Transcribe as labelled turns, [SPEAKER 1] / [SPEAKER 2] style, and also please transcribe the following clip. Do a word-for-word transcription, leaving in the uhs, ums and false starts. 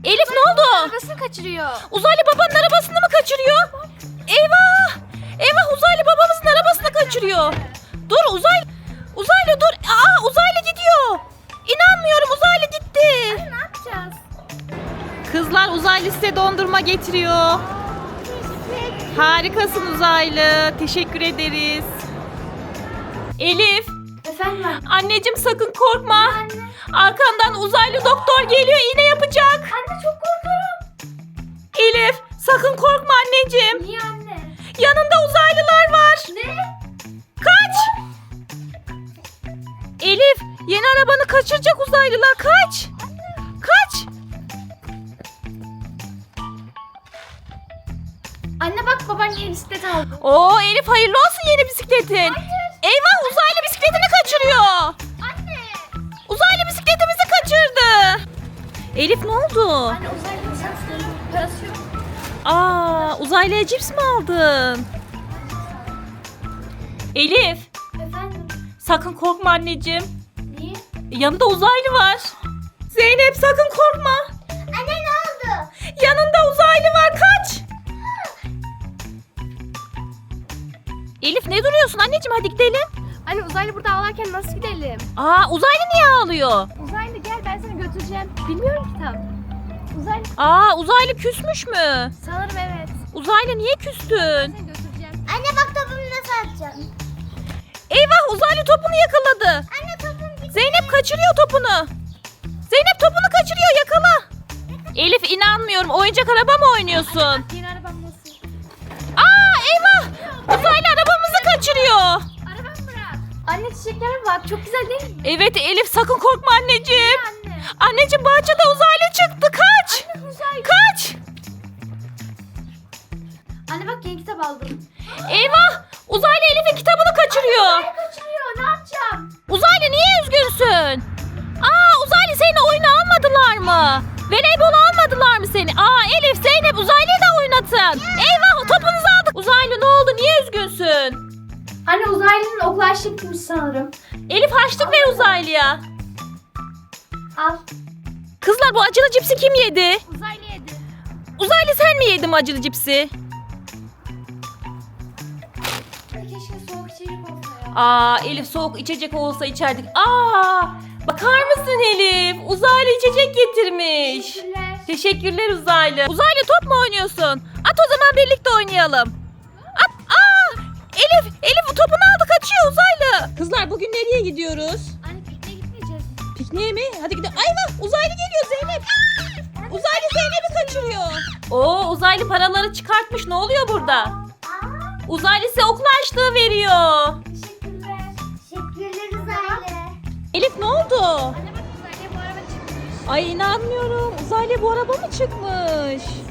[SPEAKER 1] Elif ne oldu?
[SPEAKER 2] Arabasını kaçırıyor.
[SPEAKER 1] Uzaylı babanın arabasını mı kaçırıyor? Eyvah! Eyvah uzaylı babamızın arabasını kaçırıyor. Dur uzay, uzaylı dur. Aa uzaylı gidiyor. İnanmıyorum uzaylı gitti.
[SPEAKER 2] Ne yapacağız?
[SPEAKER 1] Kızlar uzaylı size dondurma getiriyor. Harikasın uzaylı. Teşekkür ederiz. Elif.
[SPEAKER 2] Efendim anne.
[SPEAKER 1] Anneciğim sakın korkma.
[SPEAKER 2] Anne.
[SPEAKER 1] Arkandan uzaylı doktor geliyor, iğne yapacak.
[SPEAKER 2] Anne çok korkuyorum.
[SPEAKER 1] Elif sakın korkma anneciğim.
[SPEAKER 2] Niye anne?
[SPEAKER 1] Yanında uzaylılar var.
[SPEAKER 2] Ne?
[SPEAKER 1] Kaç. Elif yeni arabanı kaçıracak uzaylılar. Kaç. Kaç.
[SPEAKER 2] Anne bak baban yeni bisiklet aldı.
[SPEAKER 1] Oo Elif hayırlı olsun yeni bisikletin.
[SPEAKER 2] Hayır.
[SPEAKER 1] Eyvah uzaylı bisikletini kaçırıyor.
[SPEAKER 2] Anne.
[SPEAKER 1] Uzaylı bisikletimizi kaçırdı. Elif ne oldu?
[SPEAKER 2] Anne uzaylı bisikletlerin parası yok.
[SPEAKER 1] Aa uzaylıya cips mi aldın? Elif
[SPEAKER 2] Efendim?
[SPEAKER 1] sakın korkma anneciğim.
[SPEAKER 2] Niye?
[SPEAKER 1] Yanında uzaylı var. Zeynep sakın korkma.
[SPEAKER 2] Anne ne oldu?
[SPEAKER 1] Yanında uzaylı var kaç. Elif ne duruyorsun anneciğim hadi gidelim.
[SPEAKER 2] Anne uzaylı burada ağlarken nasıl gidelim?
[SPEAKER 1] Aa uzaylı niye ağlıyor?
[SPEAKER 2] Uzaylı gel ben seni götüreceğim. Bilmiyorum ki tam. Uzaylı
[SPEAKER 1] Aa uzaylı küsmüş mü?
[SPEAKER 2] sanırım evet.
[SPEAKER 1] Uzaylı niye küstün?
[SPEAKER 2] Seni götüreceğim. Anne bak topumu nasıl atacağım?
[SPEAKER 1] Eyvah uzaylı topunu yakaladı.
[SPEAKER 2] Anne topum gitti.
[SPEAKER 1] Zeynep kaçırıyor topunu. Zeynep topunu kaçırıyor yakala. Elif inanmıyorum oyuncak araba mı oynuyorsun?
[SPEAKER 2] Yeni arabam nasıl?
[SPEAKER 1] Aa eyvah uzaylı arabamızı kaçırıyor.
[SPEAKER 2] Arabamı bırak. Anne çiçeklere bak çok güzel değil mi?
[SPEAKER 1] Evet Elif sakın korkma anneciğim.
[SPEAKER 2] Anne.
[SPEAKER 1] Anneciğim bahçede uzaylı çıktı kaç.
[SPEAKER 2] Anne uzaylı.
[SPEAKER 1] Kaç.
[SPEAKER 2] Anne bak yeni kitap aldım.
[SPEAKER 1] Eyvah uzaylı Elif'in kitabını kaçırıyor.
[SPEAKER 2] Anne kaçırıyor ne yapacağım?
[SPEAKER 1] Uzaylı niye üzgünsün? Aa uzaylı seni oyuna almadılar mı? Voleybol almadılar mı seni? Aa Elif Zeynep uzaylıyı da oynatın. Eyvah topunuzu aldık. Uzaylı ne oldu niye üzgünsün?
[SPEAKER 2] Anne uzaylının okul harçlığı bitmiş sanırım.
[SPEAKER 1] Elif harçlık ver uzaylıya.
[SPEAKER 2] Al.
[SPEAKER 1] Kızlar bu acılı cipsi kim yedi?
[SPEAKER 2] Uzaylı yedi.
[SPEAKER 1] Uzaylı sen mi yedin bu acılı cipsi?
[SPEAKER 2] Keşke soğuk içecek olsa ya.
[SPEAKER 1] Aa Elif soğuk içecek olsa içerdik. Aa bakar mısın Elif? Uzaylı içecek getirmiş.
[SPEAKER 2] Teşekkürler.
[SPEAKER 1] Teşekkürler uzaylı. Uzaylı top mu oynuyorsun? At o zaman birlikte oynayalım. At. Aa Elif, Elif topunu aldı kaçıyor uzaylı. Kızlar bugün nereye gidiyoruz?
[SPEAKER 2] Anne pikniğe gitmeyeceğiz mi?
[SPEAKER 1] Pikniğe mi? Hadi gidelim. Ayva uzaylı geliyor Zeynep. Uzaylı Zeynep'i kaçırıyor. Oo uzaylı paraları çıkartmış. Ne oluyor burada? Uzaylı size okul harçlığı veriyor.
[SPEAKER 2] Teşekkürler. Teşekkürler uzaylı.
[SPEAKER 1] Elif ne oldu?
[SPEAKER 2] Anne bak uzaylıya bu araba çıkmış.
[SPEAKER 1] Ay inanmıyorum. Uzaylı bu araba mı çıkmış?